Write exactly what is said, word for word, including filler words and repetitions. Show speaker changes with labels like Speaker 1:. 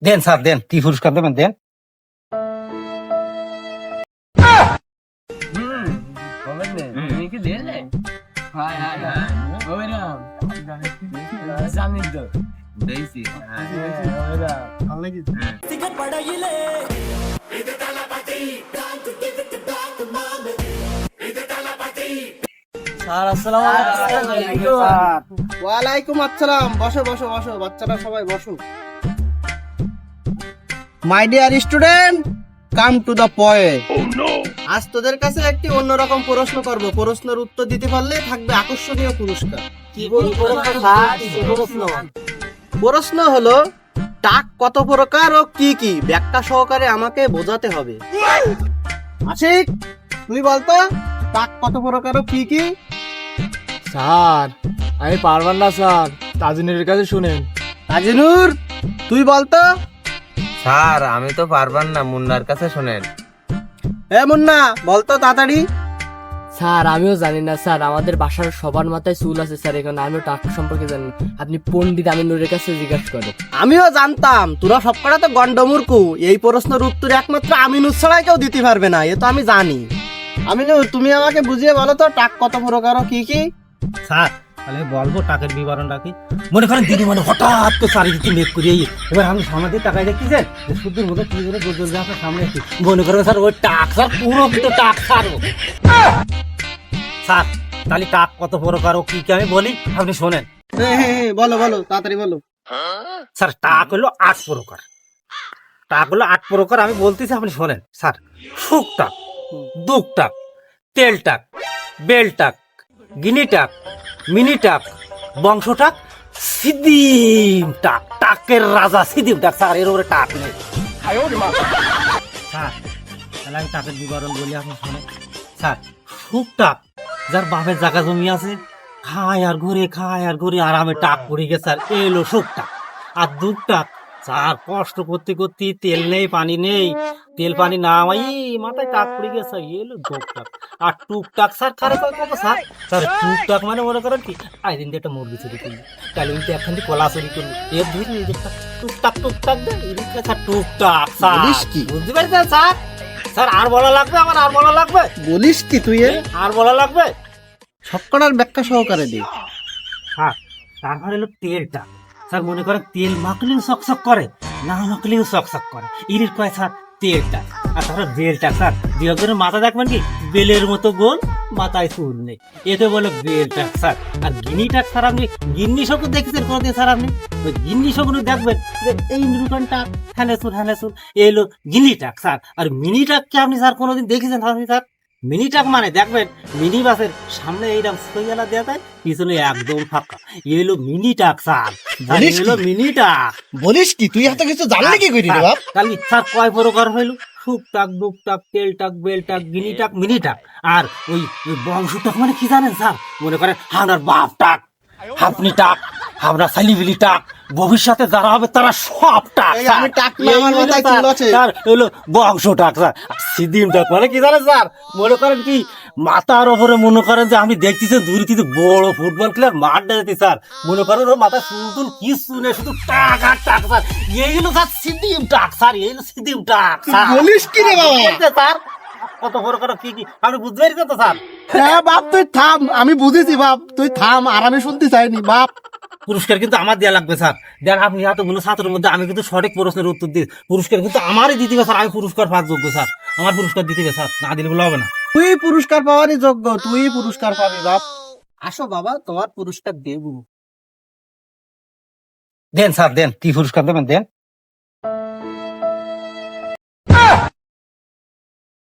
Speaker 1: দেন sir দেন, কি পুরস্কার দেবেন দেন।
Speaker 2: স্যার আসসালামু আলাইকুম।
Speaker 3: ওয়ালাইকুম আসসালাম। বসো বসো বসো, বাচ্চারা সবাই বসো। My dear student, come to the point. আজ তোদের কাছে একটি অন্যরকম প্রশ্ন করব। প্রশ্নের উত্তর দিতে পারলে থাকবে আকর্ষণীয় পুরস্কার।
Speaker 2: কি প্রশ্ন স্যার? কি প্রশ্ন?
Speaker 3: প্রশ্ন হলো, টাক কত প্রকার ও কি কি? ব্যাখ্যা সহকারে আমাকে বোঝাতে হবে। আশিক, তুই বলতো টাক কত প্রকার ও কি কি?
Speaker 2: স্যার আমি পারবার না স্যার, তাজিনের কাছে শুনেন।
Speaker 3: আজিনুর, তুই বলতো।
Speaker 4: স্যার আমি তো পারবার না, মুন্নার কাছে শোনেন।
Speaker 3: এ মুন্না, বলতো তাড়াতাড়ি।
Speaker 5: স্যার আমিও জানি না স্যার, আমাদের বাসার সবার মাথায় চুল আছে স্যার, এখানে আমিও টাকা সম্পর্কে জানি না। আপনি পণ্ডিত আমিনুরের কাছে জিজ্ঞাসা করেন।
Speaker 3: আমিও জানতাম তোরা সবকটা তো গন্ডমূর্খু। এই প্রশ্নের উত্তর একমাত্র আমিনুর ছাড়াই কেউ দিতে পারবে না, এ তো আমি জানি। আমিনুর, তুমি আমাকে বুঝিয়ে বলো তো টাক কত প্রকার ও কি কি?
Speaker 1: স্যার তাহলে বলবো টাকার বিবরণটা কি। মনে করেন দিদি মানে হঠাৎ তো চারিদিকে মেঘ করিয়ে এবার আমি সামনে দিয়ে টাকায় দেখতেছেন যে শুদ্ধর মতো কি করে গোল গোল আপনার সামনে একটু মনে করেন স্যার ওই টাক স্যার পুরো কিন্তু টাক স্যার ও। স্যার তাহলে টাক কত প্রকার ও কি কি আমি বলি, আপনি শোনেন।
Speaker 3: হ্যাঁ হ্যাঁ হ্যাঁ, বলো বলো তাড়াতাড়ি বলো।
Speaker 1: স্যার টাক হলো আট প্রকার। টাক হলো আট প্রকার, আমি বলতেছি আপনি শোনেন। স্যার শুক টাক, দুক টাক, তেল টাক, বেল টাক, গিনি টাক, মিনি টাক, বংশ টাক, সিদিম টাক। টাকের রাজা সিদিম টাক স্যার, এর উপরে টাক নেই। স্যার তাহলে আমি টাকের বিবরণ বলি, আপনি শোনেন। স্যার শুক টাক, যার বাপের জায়গা জমি আছে, খায় আর ঘুরে খায় আর ঘুরে আরামে টাক পড়ে গেছে স্যার, এলো শুক টাক। আর দুধ টাক, স্যার কষ্ট করতে করতে তেল নেই পানি নেই, তেল পানি না আমাই মাথায় টাক পড়ে গেছে, এলো দুধ টাক। আর টুকটাক স্যার কারে কয় কত স্যার? স্যার টুকটাক মানে মনে করেন কি, আই দিন একটা মুরগি চুরি করলি, তাহলে কিন্তু একখান দিয়ে কলা চুরি করলি, এর ধরে এই যে টুকটাক টুকটাক দেয়, এদিকে স্যার টুকটাক স্যার।
Speaker 3: বলিস কি?
Speaker 1: বুঝতে পারছেন স্যার? স্যার আর বলা লাগবে, আমার আর বলা লাগবে,
Speaker 3: বলিস কি তুই? এ
Speaker 1: আর বলা লাগবে?
Speaker 3: সবকটার ব্যাখ্যা সহকারে দে।
Speaker 1: হ্যাঁ, তারপর এলো তেলটা। স্যার মনে করেন তেল মাখলেও চকচক করে, না মাখলেও চকচক করে, ইরির কয় স্যার তেলটা। আর তারপর বেলটা স্যার, দুই একজনের মাথা দেখবেন কি বেলের মতো গোল, মাথায় চুল নেই, এতে বলে বেলটা স্যার। আর গিনিটা স্যার, আপনি গিন্নি শকুন দেখেছেন কোনোদিন স্যার? আপনি ওই গিন্নি শকুন দেখবেন যে এই নিরূপণটা হ্যানে চুল হ্যানে চুল, এলো গিনিটাক স্যার। আর মিনিটাককে আপনি স্যার কোনোদিন দেখেছেন আপনি স্যার? মিনিটাক মানে দেখবেন মিনি বাসের সামনে এইরকম সইয়ালা দেওয়া যায়, পিছনে একদম ফাঁকা, এলো মিনিটাক স্যার।
Speaker 3: বলিস কি?
Speaker 1: এলো মিনিটাক।
Speaker 3: বলিস কি তুই? এত কিছু জানলি কি করি রে বাপ?
Speaker 1: তাহলে স্যার কয় প্রকার হইল? শুকটাক, দুকটাক, তেলটাক, বেলটাক, গিনিটাক, মিনিটাক। আর ওই ওই বংশটাক মানে কি জানেন স্যার? মনে করেন আপনার বাপ টাক, আপনি টাক, আপনার ছেলিবিলি টাক, ভবিষ্যতে যারা হবে তারা সব টাক
Speaker 3: এই
Speaker 1: স্যার।
Speaker 3: আমি টাক না,
Speaker 1: এই
Speaker 3: আমার
Speaker 1: হলো
Speaker 3: মাথায়
Speaker 1: স্যার,
Speaker 3: চুল আছে।
Speaker 1: স্যার হলো বংশ টাক স্যার। সিদিম টাক মানে কি জানেন স্যার? মনে করেন কি মাথার ওপরে মনে করেন যে আমি দেখতেছি দূরে থেকে বড় ফুটবল খেলার মাঠ দেখতে স্যার, মনে করেন ওর মাথায় চুল টুল কিছু নেই, শুধু টাক আর টাক স্যার। এই হলো স্যার সিদিম টাক স্যার, এই হলো সিদিম টাক স্যার।
Speaker 3: বলিস কি রে বাবা?
Speaker 1: বুঝতে স্যার কত বড় করে কি কি আপনি বুঝতে পারছেন তো স্যার?
Speaker 3: হ্যাঁ বাপ, তুই থাম, আমি বুঝেছি বাপ, তুই থাম, আর আমি শুনতে চাইনি বাপ।
Speaker 1: পুরস্কার কিন্তু আমার দেওয়া লাগবে স্যার। দেন আপনি এতগুলো ছাত্রের মধ্যে আমি কিন্তু সঠিক প্রশ্নের উত্তর দিই, পুরস্কার কিন্তু আমারই দিতে হবে স্যার। আমি পুরস্কার পাওয়ার যোগ্য স্যার, আমার পুরস্কার দিতে হবে স্যার, না দিলে বলে হবে না।
Speaker 3: তুই পুরস্কার পাওয়ারই যোগ্য, তুই পুরস্কার পাবি বাপ। আসো বাবা, তোমার পুরস্কার দেবো।
Speaker 1: দেন স্যার দেন, কি পুরস্কার দেবেন দেন।